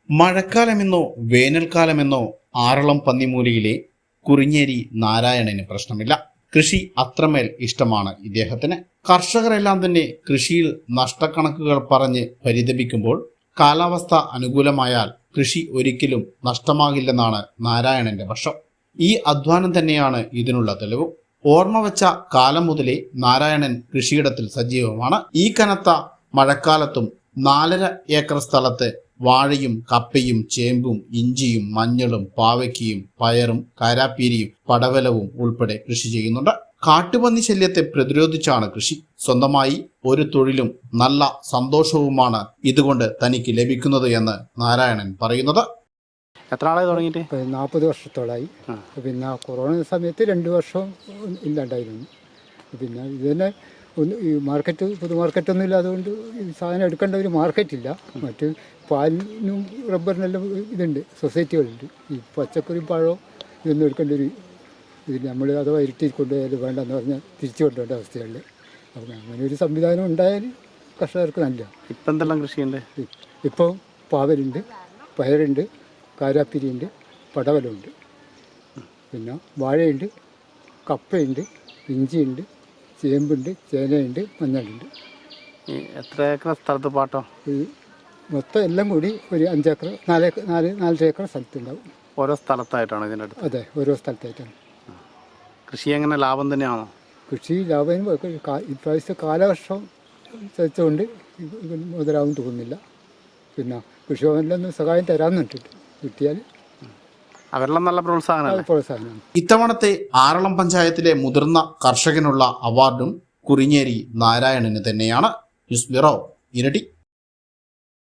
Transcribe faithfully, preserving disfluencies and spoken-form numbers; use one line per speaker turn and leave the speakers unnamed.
മഴക്കാലമെന്നോ വേനൽക്കാലമെന്നോ ആറളം പന്നിമൂലയിലെ കുറിഞ്ഞേരി നാരായണന് പ്രശ്നമില്ല. കൃഷി അത്രമേൽ ഇഷ്ടമാണ് ഇദ്ദേഹത്തിന്. കർഷകരെല്ലാം തന്നെ കൃഷിയിൽ നഷ്ടക്കണക്കുകൾ പറഞ്ഞ് പരിതപിക്കുമ്പോൾ കാലാവസ്ഥ അനുകൂലമായാൽ കൃഷി ഒരിക്കലും നഷ്ടമാകില്ലെന്നാണ് നാരായണന്റെ പക്ഷം. ഈ അധ്വാനം തന്നെയാണ് ഇതിനുള്ള തെളിവ്. ഓർമ്മ വച്ച കാലം മുതലേ നാരായണൻ കൃഷിയിടത്തിൽ സജീവമാണ്. ഈ കനത്ത മഴക്കാലത്തും നാലര ഏക്കർ സ്ഥലത്ത് വാഴയും കപ്പയും ചേമ്പും ഇഞ്ചിയും മഞ്ഞളും പാവയ്ക്കയും പയറും കാരാപ്പീരിയും പടവലവും ഉൾപ്പെടെ കൃഷി ചെയ്യുന്നുണ്ട്. കാട്ടുപന്നി ശല്യത്തെ പ്രതിരോധിച്ചാണ് കൃഷി. സ്വന്തമായി ഒരു തൊഴിലും നല്ല സന്തോഷവുമാണ് ഇതുകൊണ്ട് തനിക്ക് ലഭിക്കുന്നത് എന്ന് നാരായണൻ പറയുന്നത്.
എത്ര നാളായി തുടങ്ങിയിട്ട്?
നാൽപ്പത് വർഷത്തോളായി. പിന്നെ കൊറോണ സമയത്ത് രണ്ട് വർഷം ഇല്ലാണ്ടായിരുന്നു. പിന്നെ ഇത് തന്നെ ഒന്ന് ഈ മാർക്കറ്റ് പൊതു മാർക്കറ്റൊന്നും ഇല്ലാതുകൊണ്ട് ഈ സാധനം എടുക്കേണ്ട ഒരു മാർക്കറ്റില്ല. മറ്റ് പാലിനും റബ്ബറിനെല്ലാം ഇതുണ്ട്, സൊസൈറ്റികളുണ്ട്. ഈ പച്ചക്കറി പഴവും ഇതൊന്നും എടുക്കേണ്ട ഒരു ഇതിൽ നമ്മൾ അഥവാ ഇരുട്ടി കൊണ്ടുപോയാലും വേണ്ടെന്ന് പറഞ്ഞാൽ തിരിച്ചു കൊണ്ടുപോകേണ്ട അവസ്ഥയുണ്ട്. അപ്പം അങ്ങനെ ഒരു സംവിധാനം ഉണ്ടായാൽ കർഷകർക്ക് നല്ല.
ഇപ്പം എന്തെല്ലാം കൃഷിയുണ്ട്?
ഇപ്പോൾ പാവലുണ്ട്, പയറുണ്ട്, കാരാപ്പിരിയുണ്ട്, പടവലമുണ്ട്, പിന്നെ വാഴയുണ്ട്, കപ്പയുണ്ട്, ഇഞ്ചിയുണ്ട്, ചേമ്പുണ്ട്, ചേനയുണ്ട്, മഞ്ഞളുണ്ട്.
എത്ര ഏക്കർ സ്ഥലത്ത് പാട്ടോ?
ഈ മൊത്തം എല്ലാം കൂടി ഒരു അഞ്ചേക്കർ നാലേക്കർ നാല് നാലര ഏക്കർ സ്ഥലത്തുണ്ടാവും.
ഓരോ സ്ഥലത്തായിട്ടാണ് ഇതിൻ്റെ അടുത്ത്?
അതെ, ഓരോ സ്ഥലത്തായിട്ടാണ്.
കൃഷി എങ്ങനെ ലാഭം തന്നെയാണോ?
കൃഷി ലാഭം ഇപ്രാവശ്യത്തെ കാലവർഷം വെച്ചുകൊണ്ട് മുതലാവും തോന്നുന്നില്ല. പിന്നെ കൃഷിഭവനിലൊന്നും സഹായം തരാമെന്നിട്ടുണ്ട്, കിട്ടിയാൽ
അവരെല്ലാം നല്ല പ്രോത്സാഹനം
പ്രോത്സാഹനമാണ്.
ഇത്തവണത്തെ ആറളം പഞ്ചായത്തിലെ മുതിർന്ന കർഷകനുള്ള അവാർഡും കുറിഞ്ഞേരി നാരായണന് തന്നെയാണ്. ന്യൂസ് ബ്യൂറോ, ഇരട്ടി.